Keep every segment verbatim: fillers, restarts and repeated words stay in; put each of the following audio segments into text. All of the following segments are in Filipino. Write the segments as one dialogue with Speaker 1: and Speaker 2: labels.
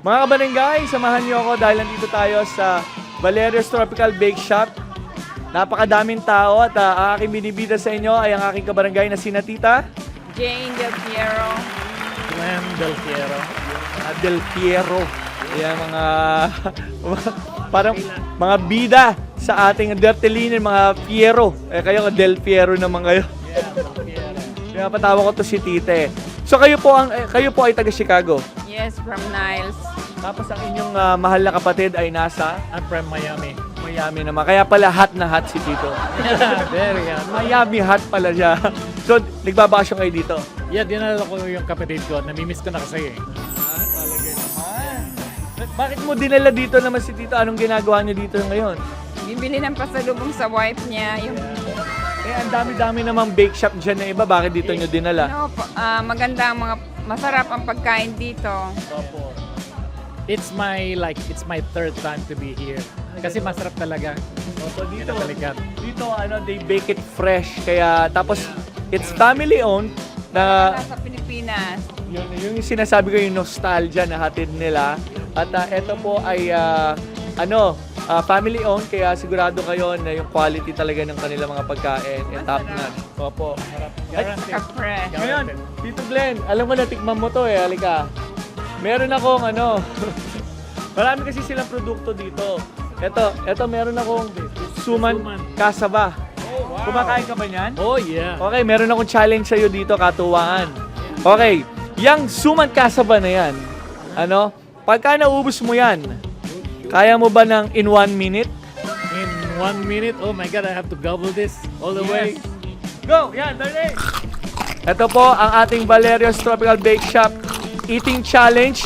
Speaker 1: Mga kabarangay, samahan niyo ako dahil nandito tayo sa Valerio's Tropical Bake Shop. Napakadaming tao at uh, ang aking binibida sa inyo ay ang aking kabarangay na sina Tita
Speaker 2: Jane Del Piero.
Speaker 3: Glenn Del Piero.
Speaker 1: uh, Del Piero. Ayan, mga parang mga bida sa ating Dertelinen, mga Piero. Eh kayo Del Piero naman kayo. Kaya patawa ko to si Tite. So kayo po ang eh, kayo po ay taga Chicago.
Speaker 2: Yes, from Niles.
Speaker 1: Tapos ang inyong uh, mahal na kapatid ay nasa
Speaker 3: I'm from Miami.
Speaker 1: Miami naman. Kaya pala hot na hot si Tito.
Speaker 3: Very hot.
Speaker 1: Miami hot pala siya. So, nagbabakasyon kayo dito?
Speaker 3: Yeah, dinala ko yung kapatid ko. Namimiss ko na kasi eh.
Speaker 1: Ah, talaga naman. Bakit mo dinala dito naman si Tito? Anong ginagawa niyo dito ngayon?
Speaker 2: Bibili ng pasalubong sa wife niya. Yung,
Speaker 1: Eh, ang dami-dami namang bake shop dyan na iba. Bakit dito niyo dinala?
Speaker 2: ano, pa- ah, maganda ang mga, masarap ang pagkain dito.
Speaker 3: Opo. It's my, like, it's my third time to be here. Kasi masarap talaga.
Speaker 1: So, dito,
Speaker 3: Pinabalikan.
Speaker 1: dito, ano, they bake it fresh. Kaya, tapos, it's family owned na
Speaker 2: Nasa Pilipinas.
Speaker 1: yun, yung sinasabi ko yung nostalgia na hatid nila. At uh, ito po ay uh, ano, uh, family owned kaya sigurado kayo na yung quality talaga ng kanilang mga pagkain ay top notch. Opo.
Speaker 3: Guaranteed.
Speaker 2: Kapre.
Speaker 1: Ngayon, Tito Glenn, alam mo na tikman mo to eh, halika. Meron akong ano, marami kasi silang produkto dito. Ito, ito meron akong suman
Speaker 3: Suman.
Speaker 1: kasaba.
Speaker 3: Oh, wow.
Speaker 1: Kumakain ka ba niyan?
Speaker 3: Oh, yeah.
Speaker 1: Okay, meron akong challenge sa'yo dito, katuwaan. Okay, yung suman kasaba na yan, ano, pagka naubos mo yan, kaya mo ba ng in one minute?
Speaker 3: In one minute, oh my God, I have to gobble this all the way.
Speaker 1: Go! Yan, dali! Ito po ang ating Valerio's Tropical Bake Shop Eating Challenge.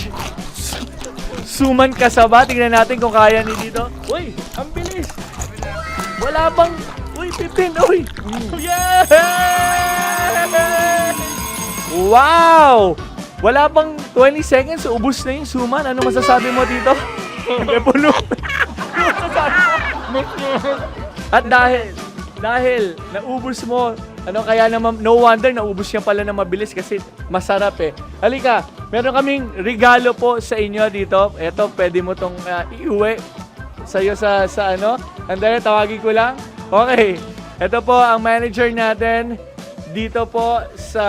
Speaker 1: Suman kasaba. Tingnan natin kung kaya ni dito. Uy, ang bilis! Wala bang... Uy, pipin! Uy! Yeah! Wow! Wala bang twenty seconds, ubus na yung suman. Ano masasabi mo dito? Hindi puno. At dahil, dahil naubos mo, ano kaya naman, no wonder naubos niya pala na mabilis kasi masarap eh. Halika, meron kaming regalo po sa inyo dito. Ito, pwede mo tong uh, iuwi sa'yo sa, sa ano. Andali, tawagin ko lang. Okay, ito po ang manager natin dito po sa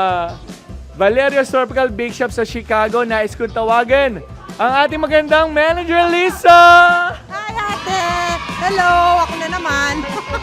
Speaker 1: Valerio's Tropical Bake Shop sa Chicago. Nais kong tawagan ang ating magandang manager, Lisa!
Speaker 4: Hi, ate! Hello! Ako na naman.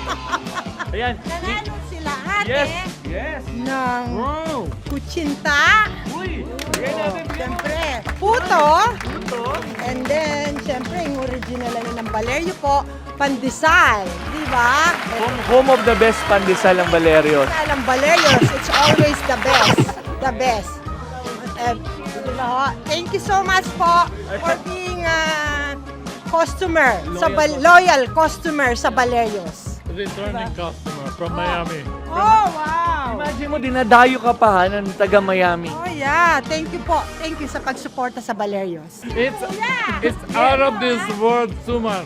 Speaker 1: Ayan.
Speaker 4: Nanalo sila, ate.
Speaker 1: Yes! Yes!
Speaker 4: Ng
Speaker 1: Wow!
Speaker 4: kutsinta.
Speaker 1: Uy! Bigay natin dito.
Speaker 4: Siyempre, puto.
Speaker 1: Ito.
Speaker 4: And then, siyempre, yung original na ng Valerio po, pandesal. Di ba?
Speaker 1: Home, home of the best pandesal ng Valerio.
Speaker 4: Pandesal ng Valerios, it's always the best. The best. Eh, di ba ho? Thank you so much po for being a customer, sa Val- loyal customer sa Valerios.
Speaker 3: Returning customer from Miami.
Speaker 4: Oh, wow!
Speaker 1: Imagine mo, dinadayo ka pa ha, ng taga Miami.
Speaker 4: Oh yeah, thank you po. Thank you sa pagsuporta sa Valerios.
Speaker 3: It's, it's out of this world, Suman.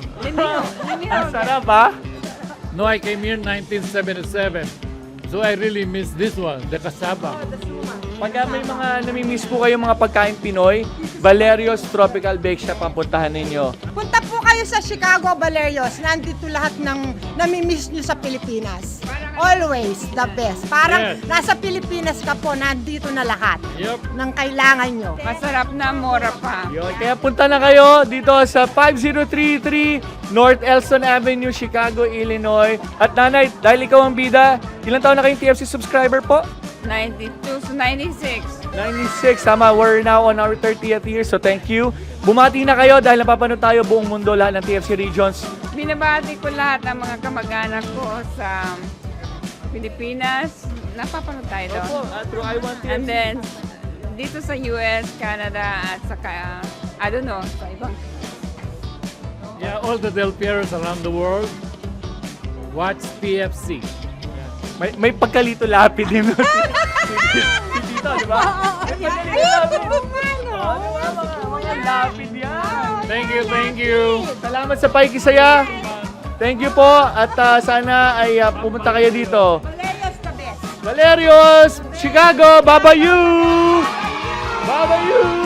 Speaker 1: Ang sarap ha?
Speaker 3: No, I came here in nineteen seventy-seven. So I really miss this one, the cassava.
Speaker 1: Pagka may mga namimiss po kayo mga pagkain Pinoy, Valerio's Tropical Bake Shop ang puntahan ninyo.
Speaker 4: Punta po kayo sa Chicago, Valerios. Nandito lahat ng namimiss nyo sa Pilipinas. Always the best. Parang
Speaker 3: Yes.
Speaker 4: nasa Pilipinas ka po, nandito na lahat
Speaker 3: Yep.
Speaker 4: ng kailangan nyo.
Speaker 2: Masarap na, mura pa.
Speaker 1: Yun, kaya punta na kayo dito sa five zero three three North Elston Avenue, Chicago, Illinois. At nanay, dahil ikaw ang bida, ilang taon na kayong T F C subscriber po?
Speaker 2: ninety-two to ninety-six.
Speaker 1: ninety-six, tama. We're now on our thirtieth year, so thank you. Bumati na kayo dahil napapanood tayo buong mundo, lahat ng T F C regions.
Speaker 2: Binabati ko lahat ng mga kamag-anak ko sa Pilipinas. Napapanood tayo doon.
Speaker 1: Opo, uh, through I Want T F C.
Speaker 2: And then, dito sa U S, Canada, at saka, I don't know, sa ibang.
Speaker 3: Yeah, all the Del Pieros around the world, watch T F C.
Speaker 1: May, may pagkalito lapid din. Si Tito, di ba? May pagkalito lapid. Oh, di ba? Mga, mga lapid yan.
Speaker 3: Thank you, thank you.
Speaker 1: Salamat sa paikisaya. Thank you po. At uh, sana ay uh, pumunta kayo dito.
Speaker 4: Valerios the best.
Speaker 1: Valerios, Chicago, Babayu! Babayu!